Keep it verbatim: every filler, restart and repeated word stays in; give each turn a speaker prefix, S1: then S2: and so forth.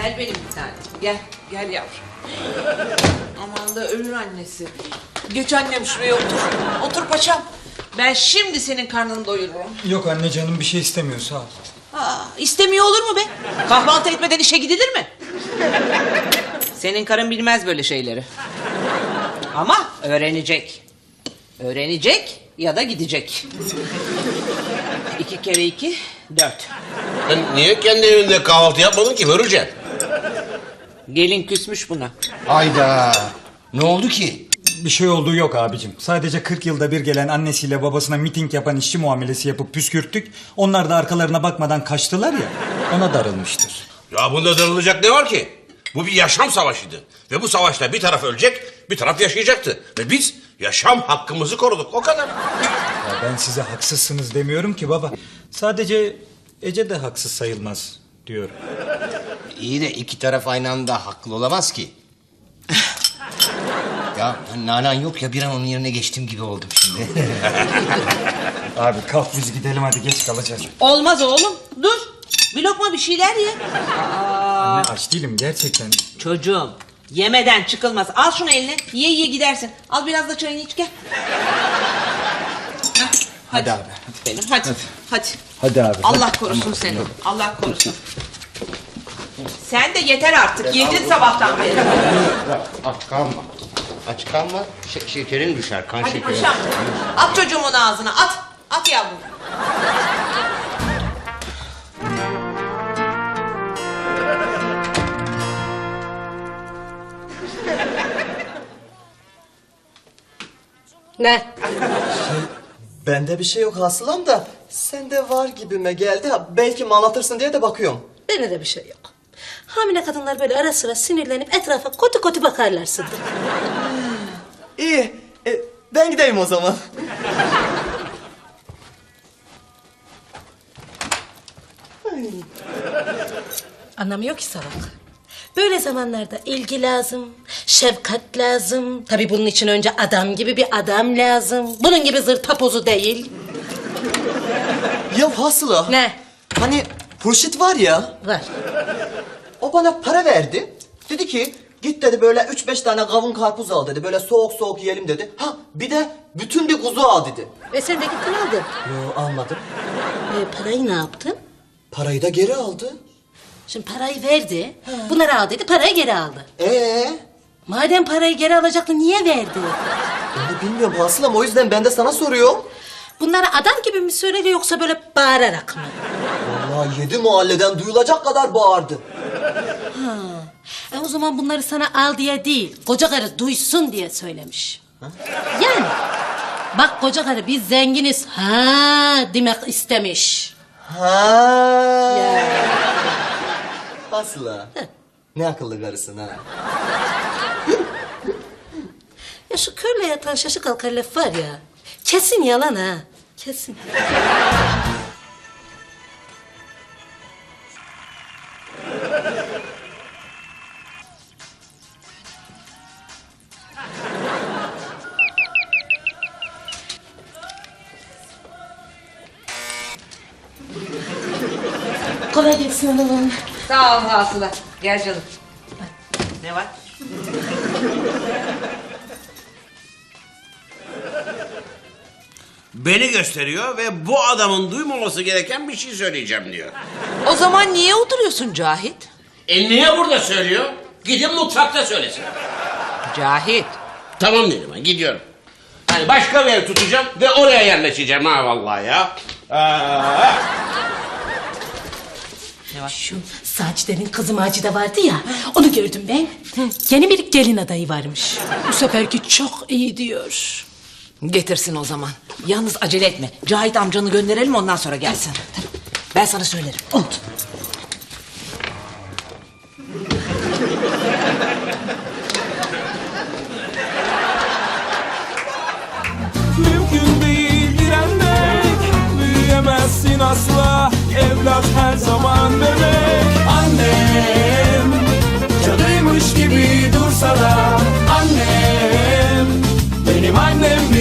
S1: Gel benim bir tane. Gel, gel yavrum. Aman da ölür annesi. Geç annem şuraya otur. Otur paşam. Ben şimdi senin karnını doyururum.
S2: Yok anne, canım bir şey istemiyor, sağ ol.
S1: Aa, istemiyor olur mu be? Kahvaltı etmeden işe gidilir mi? Senin karın bilmez böyle şeyleri. Ama öğrenecek. Öğrenecek ya da gidecek. İki kere iki, dört.
S3: Ben niye kendi evinde kahvaltı yapmadın ki Börülce?
S1: Gelin küsmüş buna.
S4: Hayda. Ne oldu ki?
S2: Bir şey olduğu yok abicim. Sadece kırk yılda bir gelen annesiyle babasına miting yapan işçi muamelesi yapıp püskürttük. Onlar da arkalarına bakmadan kaçtılar ya, ona darılmıştır.
S3: Ya bunda darılacak ne var ki? Bu bir yaşam savaşıydı. Ve bu savaşta bir taraf ölecek, bir taraf yaşayacaktı. Ve biz yaşam hakkımızı koruduk, o kadar.
S2: Ya ben size haksızsınız demiyorum ki baba. Sadece Ece de haksız sayılmaz diyorum.
S4: İyi de iki taraf aynı anda haklı olamaz ki. Ya nanan yok ya, bir an onun yerine geçtiğim gibi oldum şimdi.
S2: Abi kalk biz gidelim hadi, geç kalacağız.
S1: Olmaz oğlum, dur. Bir lokma bir şeyler ye.
S2: Anne aç değilim gerçekten.
S1: Çocuğum, yemeden çıkılmaz. Al şunu eline, ye ye gidersin. Al biraz da çayını iç, gel. Hah,
S2: Hadi abi,
S1: Benim, hadi. Hadi.
S2: Hadi abi.
S1: Allah korusun seni. Allah korusun. Sen de yeter artık. Yedin sabahtan beri.
S4: Aç kalma. Aç kalma. Ş- şekerin düşer, kan
S1: Hadi
S4: şekeri.
S1: paşam. At çocuğumun ağzına, at. At yavrum.
S5: Ne?
S6: Bende bir şey yok hasılam da sende var gibime geldi. Ha, belki mi anlatırsın diye de bakıyorum.
S5: Bende de bir şey yok. Hamile kadınlar böyle ara sıra sinirlenip etrafa kötü kötü bakarlar Sıddık.
S6: İyi. E, ben gideyim o zaman.
S5: Anlamıyor ki salak. Böyle zamanlarda ilgi lazım, şefkat lazım. Tabii bunun için önce adam gibi bir adam lazım. Bunun gibi zırtapozu değil.
S6: Ya Hasıla.
S5: Ne?
S6: Hani Hurşit var ya.
S5: Var.
S6: O bana para verdi. Dedi ki git dedi böyle üç beş tane kavun karpuz al dedi. Böyle soğuk soğuk yiyelim dedi. Ha bir de bütün bir kuzu al dedi.
S5: Ve sen de gittin aldın.
S6: Yo almadım.
S5: E, parayı ne yaptın?
S6: Parayı da geri aldı.
S5: Şimdi parayı verdi. Bunları al dedi, parayı geri aldı.
S6: Ee,
S5: Madem parayı geri alacaktı niye verdi?
S6: onu bilmiyorum Hasılam, o yüzden ben de sana soruyorum.
S5: Bunları adam gibi mi söyledi yoksa böyle bağırarak mı?
S6: Vallahi yedi mahalleden duyulacak kadar bağırdı.
S5: E o zaman bunları sana al diye değil, koca karı duysun diye söylemiş. Yani bak koca karı biz zenginiz ha demek istemiş.
S6: Ha. Hasıla. Ne akıllı karısın ha.
S5: Ya şu körle yatan şaşı kalkar laf var ya, kesin yalan ha, kesin. Kolay gelsin hanımım.
S1: Sağ ol Hasıla. Gel canım. Ne var?
S3: Beni gösteriyor ve bu adamın duymaması gereken bir şey söyleyeceğim diyor.
S1: O zaman niye oturuyorsun Cahit?
S3: E niye burada söylüyor? Gidin mutfakta söylesin.
S1: Cahit.
S3: Tamam dedim ben, gidiyorum. Hani başka bir ev tutacağım ve oraya yerleşeceğim ha vallahi ya. Aa.
S5: Şu Sacide'nin kızı Macide vardı ya, onu gördüm ben. Yeni bir gelin adayı varmış. Bu seferki çok iyi diyor.
S1: Getirsin o zaman. Yalnız acele etme. Cahit amcanı gönderelim ondan sonra gelsin. Ben sana söylerim.
S5: Oldu.
S7: Mümkün değil direnmek, büyüyemezsin asla. Evlat her zaman bebek. Annem canıymış gibi dursa da annem benim annem.